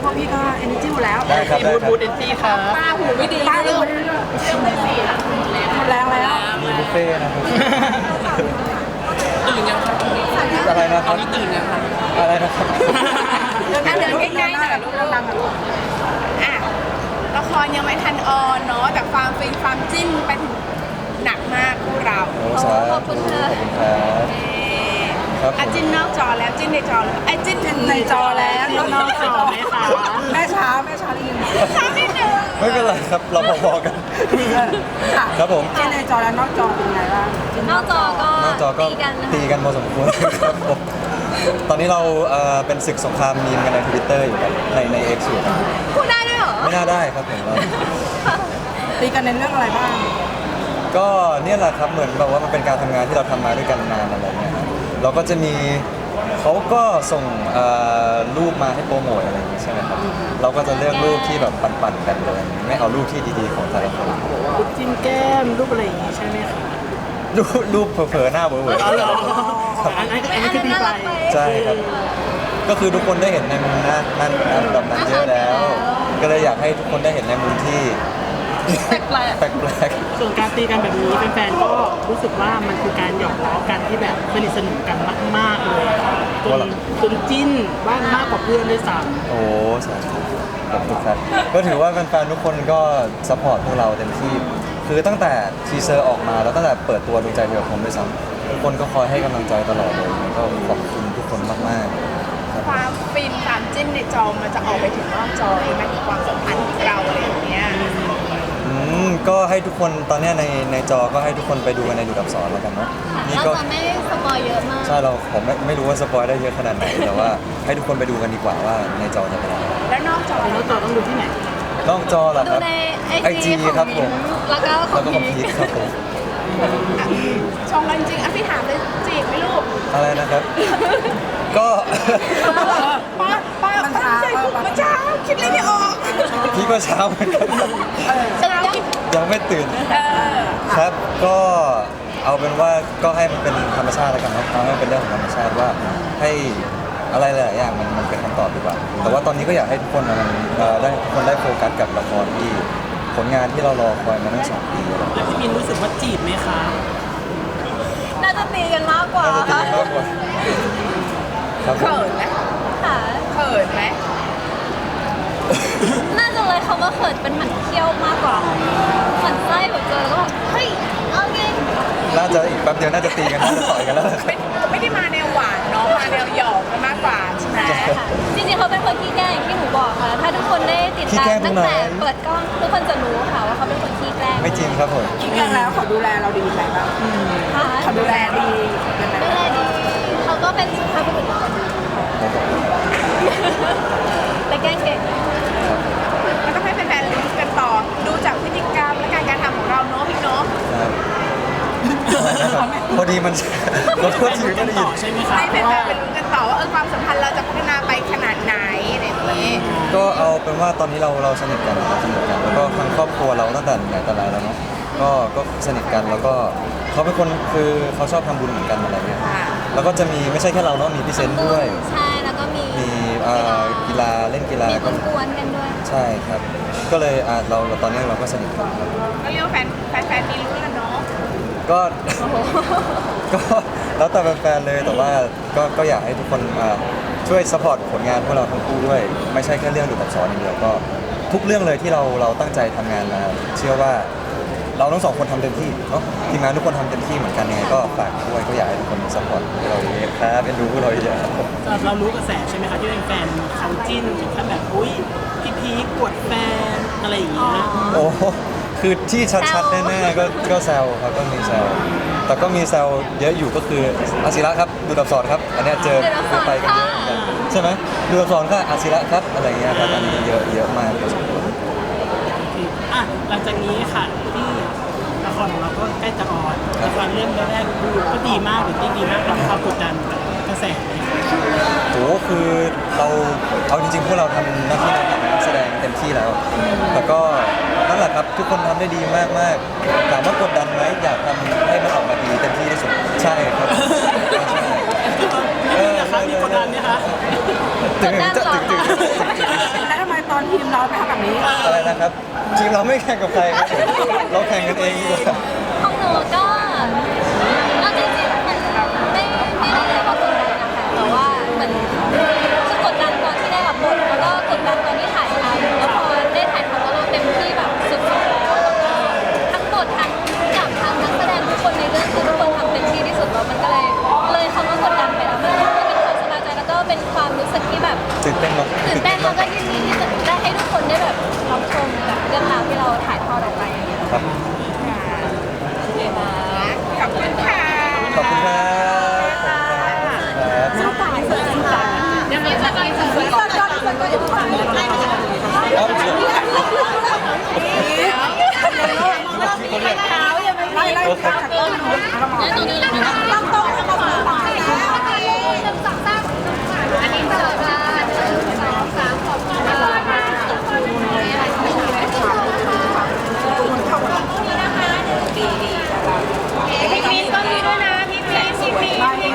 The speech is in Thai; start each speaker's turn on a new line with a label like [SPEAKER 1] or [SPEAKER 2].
[SPEAKER 1] พวกพี่ก็เอเนจีอยู่แล้ว
[SPEAKER 2] ได้ครับได้ครับ
[SPEAKER 3] บูดเอนจี้ครับ
[SPEAKER 1] ป้าหูไม่ดีป้าหูหมดแรงแล้ว
[SPEAKER 2] มีบุฟเฟ่ต์นะครับ
[SPEAKER 3] ตื่นยังครับ
[SPEAKER 2] อะไรนะค
[SPEAKER 3] ตอ
[SPEAKER 2] รั
[SPEAKER 3] น
[SPEAKER 2] บ
[SPEAKER 3] นี้ตื่นยังครับ
[SPEAKER 2] อะไรนะครับ
[SPEAKER 1] เดินใกล้ๆหน่อยลูกดังๆลูก
[SPEAKER 4] อ่ะละครยังไม่ทันออนเนาะแต่ความฟินความจิ้นไปถึงหนักมากพวกเรา
[SPEAKER 2] โอ้สาธุขอบคุณครับครับผม
[SPEAKER 4] อ่ะจิ้นนอกจอแล้วจิ้นในจอแล้วไอ้จิ้น
[SPEAKER 1] ในจอแล้ว
[SPEAKER 3] นอกจอไหมคะ
[SPEAKER 1] แม่ช้าได้ยิน
[SPEAKER 4] ข้ามนิดนึง
[SPEAKER 2] ไม่เป็นไรครับเราพอๆกัน
[SPEAKER 1] ค่ะ
[SPEAKER 2] ครับผม
[SPEAKER 1] เจนในจอแล้วนอกจอเป็นไงบ้าง
[SPEAKER 5] นอกจอก็
[SPEAKER 2] นอกจอก็
[SPEAKER 5] ตีกันนะคะ
[SPEAKER 2] ตีกันพอสมควรครับผมตอนนี้เราเป็นศึกสงครามมีมกันใน Twitter อยู่ครับใน X อยู่ครับ
[SPEAKER 5] พูดได้ด้วยเหรอ
[SPEAKER 2] ไม่น่าได้ครับผมว่า
[SPEAKER 1] ตีกันในเรื่องอะไรบ้าง
[SPEAKER 2] ก็เนี่ยแหละครับเหมือนแบบว่ามันเป็นการทำงานที่เราทำมาด้วยกันนานอะไรเงี้ยครับเราก็จะมีเขาก็ส่งรูปมาให้โปรโมทอะไรอย่างงี้ใช่ไหมครับเราก็จะเลือกรูปที่แบบปั่นๆกันเลยไม่เอารูปที่ดีๆของแต่ละคน
[SPEAKER 3] รูปจิ้มแก้มรูปอะไรอย่างงี้ใช่ไหมคะ
[SPEAKER 2] รูปเผลอๆหน้าเบอร์ๆ
[SPEAKER 3] อ๋อเหรออันนั้นคือดีไป
[SPEAKER 2] ใช่ครับ ก็คือทุกคนได้เห็นในมุมนั้นแบบนั้นเยอะแล้ว ก็เลยอยากให้ทุกคนได้เห็นในมุมที่
[SPEAKER 5] แปลก
[SPEAKER 2] แปลก
[SPEAKER 3] ส่วนการตีกันแบบนี้แฟนๆก็รู้สึกว่ามันคือการหยอกล้อกันที่แบบสนิทสนมกันมากๆเลยจนจิ้นว่ามากกว่าเพื่อนด้วยซ้
[SPEAKER 2] ๆโอ้สาธุขอบคุณครับก็ถือว่าแฟนๆทุกคนก็ซัพพอร์ตพวกเราเต็มที่ คือตั้งแต่ทีเซอร์ออกมาแล้วตั้งแต่เปิดตัวดวงใจเดียวผมด้วยซ้ำทุกคนก็คอยให้กำลังใจตลอดเลยก็ขอบคุณทุกคนมากๆครับ
[SPEAKER 4] ความฟินความจิ้นในจอมันจะออกไปถึงนอกจอเลยไหมถึงความสัมพันธ์ของเราอะไรอย่างเงี้ย
[SPEAKER 2] ก็ให้ทุกคนตอนเนี้ยในจอก็ให้ทุกคนไปดูกันในดูดับสอนแล้วกันเนาะ
[SPEAKER 5] ๆ
[SPEAKER 2] นี่
[SPEAKER 5] เรา
[SPEAKER 2] ก็
[SPEAKER 5] จะไม่สปอยเยอะมาก
[SPEAKER 2] ใช่ผมไม่รู้ว่าสปอยได้เยอะขนาดไหน แต่ว่าให้ทุกคนไปดูกันดีกว่าว่าในจอจะเป็นยังไง
[SPEAKER 4] แล้วนอกจอ
[SPEAKER 3] ำแล้วต่อต้องดูที่ไหน
[SPEAKER 2] นอกจอเหรอ
[SPEAKER 5] ดู
[SPEAKER 2] ครับ
[SPEAKER 5] ในไอ
[SPEAKER 2] IG
[SPEAKER 5] จีของ
[SPEAKER 2] ครับผ
[SPEAKER 5] มิ้
[SPEAKER 2] ม
[SPEAKER 5] นแล้วก็ขอ
[SPEAKER 2] แล้ว
[SPEAKER 5] ง
[SPEAKER 2] ก็ของ
[SPEAKER 5] พี
[SPEAKER 2] พี
[SPEAKER 5] ค
[SPEAKER 2] คครับผม
[SPEAKER 4] ชงกันจริงอ่ะพี่ถามเลยจีบไหมลูก
[SPEAKER 2] อะไรนะครับ ก็
[SPEAKER 4] ป้าตั้งใจพูดเมื่อเช้าคิดอะไรไม่ออก
[SPEAKER 2] พี่ก็เช้าเหมือนกันครับ
[SPEAKER 4] เช้า
[SPEAKER 2] ยังไม่ตื่น
[SPEAKER 4] เออ
[SPEAKER 2] ครับ ก็เอาเป็นว่าก็ให้มันเป็นธรรมชาติแล้วกันเนาะเอาให้มันเป็นเรื่องของธรรมชาติว่าให้อะไรหลายๆอย่างมันเป็นคำตอบดีกว่า แต่ว่าตอนนี้ก็อยากให้ทุกคนได้ทุกคนได้โฟกัสกับละครที่ผลงานที่เรารอคอยมาตั้ง2 ปีแล้ว
[SPEAKER 3] แล้วพี่มินรู้สึกว่าจีบไหมคะ
[SPEAKER 5] น่าจะตีกันมากกว่า
[SPEAKER 2] น่าจะดีมากกว่าครับผม
[SPEAKER 4] เขินไหม
[SPEAKER 5] ค่ะ
[SPEAKER 4] เขินไหม
[SPEAKER 5] น่าจะเลยคำว่าเขินเป็นหมันเขี้ยวมากกว่าหมันไส้แบบเจอแล้วแบบเฮ้ยเอาไง
[SPEAKER 2] น่าจะอีกแป๊บเดียวน่าจะตีกันน่าจะต่อยกันแล้ว
[SPEAKER 4] ไม่ได้มาแนวหวานเนาะมาแนวหยอกกันมากกว่าใช่ไหม
[SPEAKER 5] ค่ะจริงๆเขาเป็นคนขี้แกล้งอย่างที่หนูบอกค่ะ ถ้าทุกคนได้ติด
[SPEAKER 2] ขี้
[SPEAKER 5] ตา
[SPEAKER 2] แกล้
[SPEAKER 5] ม
[SPEAKER 2] งตร
[SPEAKER 5] ตั้
[SPEAKER 2] ง
[SPEAKER 5] ง
[SPEAKER 2] ไหน
[SPEAKER 5] แต่เปิดกล้องทุกคนจะรู้ค่ะว่าเขาเป็นคนขี้แกล้ง
[SPEAKER 2] ไม่จริงครับผม
[SPEAKER 1] คิดกันแล้วเขาดูแลเราดีไหมบ้าง
[SPEAKER 5] ค่ะ
[SPEAKER 1] เขาดูแลดียังไง
[SPEAKER 5] ดูแลดีเขาก็เป็นสุภาพบุรุษแต่แกล้งเก่ง
[SPEAKER 4] มันต้องให้แฟนๆรู้กันต่อดูจากพฤติกรรมและการกระทำของเราเนาะพี่เนาะ
[SPEAKER 2] ครับพอดีมัน ขอโทษทีไม่ได้ยิ
[SPEAKER 3] ต่อน ใช่ไหมคะ
[SPEAKER 4] ให้แฟนๆไปรู้กันต่อว่าความสัมพันธ์เราจะพัฒนาไปขนาดไหนอะไรอย่างนี้
[SPEAKER 2] ก็เอาเป็นว่าตอนนี้เราสนิทกันเราสนิทกันแล้วก็ทางครอบครัวเราตั้งแต่ไหนแต่ไรแล้วเนาะก็สนิทกันแล้วก็เขาเป็นคนคือเขาชอบทำบุญเหมือนกันอะไรเงี้ย
[SPEAKER 4] ค่ะ
[SPEAKER 2] แล้วก็จะมีไม่ใช่แค่เราเนาะมีพี่เซนต์ด้วย
[SPEAKER 5] ใช่แล้วก็มี
[SPEAKER 2] มีกีฬาเล่นกีฬา
[SPEAKER 5] มี
[SPEAKER 2] ก็
[SPEAKER 5] กวนๆกันด้วย
[SPEAKER 2] ใช่ครับ ก็เลยเราตอนนี้เราก็สนิทกันครับ
[SPEAKER 4] ก็เรียกว่าแฟนๆมีรู้กันเนาะ
[SPEAKER 2] ก็ ก็แล้วแต่แฟนๆเลยแต่ว่าก็อยากให้ทุกคนช่วยสปอร์ตผลงานพวกเราทั้งคู่ด้วย ไม่ใช่แค่เรื่องดูกับสอนอย่างเดียวก็ทุกเรื่องเลยที่เราตั้งใจทำงานมาเชื่อว่าเราทั้งสองคนทำเต็มที่เนาะทีมงานทุกคนทำเต็มที่เหมือนกันยังไงก็ฝากด้วยก็อยากให้ทุกคนสปอร์ตพวกเราเยอะครับเป็นดูพวกเราเยอะครับผม
[SPEAKER 3] สำหรับเรารู้กระแสใช่ไหมคะที่เป็นแฟนเขาจิ้นถึงขั้นแบบอุ้ยพี่พีคกดแฟนอะไรอย่างเงี้ย
[SPEAKER 2] โอ้คือที่ชัดๆแน่ๆก็แซวครับก็มีแซวแต่ก็มีแซวเยอะอยู่ก็คืออาศิระครับดูดับสอนครับอันเนี้ยเจอไปกันเยอะเหมือนกันใช่ไหมดูดับสอนก็อาศิระครับอะไรเงี้ยครับอันนี้เยอะมากพอสมควร
[SPEAKER 3] อ่ะหลังจากนี้ค่ะที่ละครของเราก็ใกล้จะออนละครเรื่องแรกดูก็ดีมากหรือที่ดีมากเราความกดดันกับกระแสไหมคะ
[SPEAKER 2] โหคือเราเอาจริงๆพวกเราทำหน้าที่ในฐานะนักแสดงเต็มที่แล้ว แต่ก็นั่นแหละครับทุกคนทำได้ดีมากๆถามว่ากดดันไหมอยากทำให้มันออกมาดีเต็มที่ที่สุดใช่ครับใช่
[SPEAKER 3] นี่นะครับมีกดดันไหมคะ
[SPEAKER 2] ถึงจะถึง
[SPEAKER 1] แล้วทำ
[SPEAKER 3] นี้
[SPEAKER 2] อะไรนะครับทีมเราไม่แข่งกับใครครับเราแข่งกันเองดีกว่า
[SPEAKER 5] ของหนูก็เอาจริงๆมันไม่ได้เลยว่ากดดันนะคะแต่ว่าเหมือนคือกดดันตอนที่ได้รับบทแล้วก็กดดันตอนที่ถ่ายทำแล้วพอได้ถ่ายทำแล้วเราเต็มที่แบบสุดๆแล้วทั้งบททั้งกับทั้งนักแสดงทุกคนในเรื่องคือทุกคนทำเต็มที่ที่สุดแล้วมันก็เลยเขาก็กดดันไปแล้วมันก็เป็นความสบายใจแล้วก็เป็นความรู้สึกที่แบบ
[SPEAKER 2] ตื่นเต้นเนาะ
[SPEAKER 5] ตื่นเต้นแล้วก็ยินดีที่จะได้ให้ทุกคนได้แบบรับชมแบบเรื่องราวที่เราถ่ายทอดออกไปอย่างเงี้ย
[SPEAKER 2] ครับ
[SPEAKER 4] ขอบคุณค่ะ
[SPEAKER 2] ขอบคุณครับครับ
[SPEAKER 1] ยังไม่จะไปถึงก่อน
[SPEAKER 2] เอาเถอะโอเค
[SPEAKER 5] แล้วตรงนี้เลยนะ
[SPEAKER 1] อันนี้จะมา1 2 3ขอบคุณนะคะพี่มีนก็มีด้วยนะพี่มีน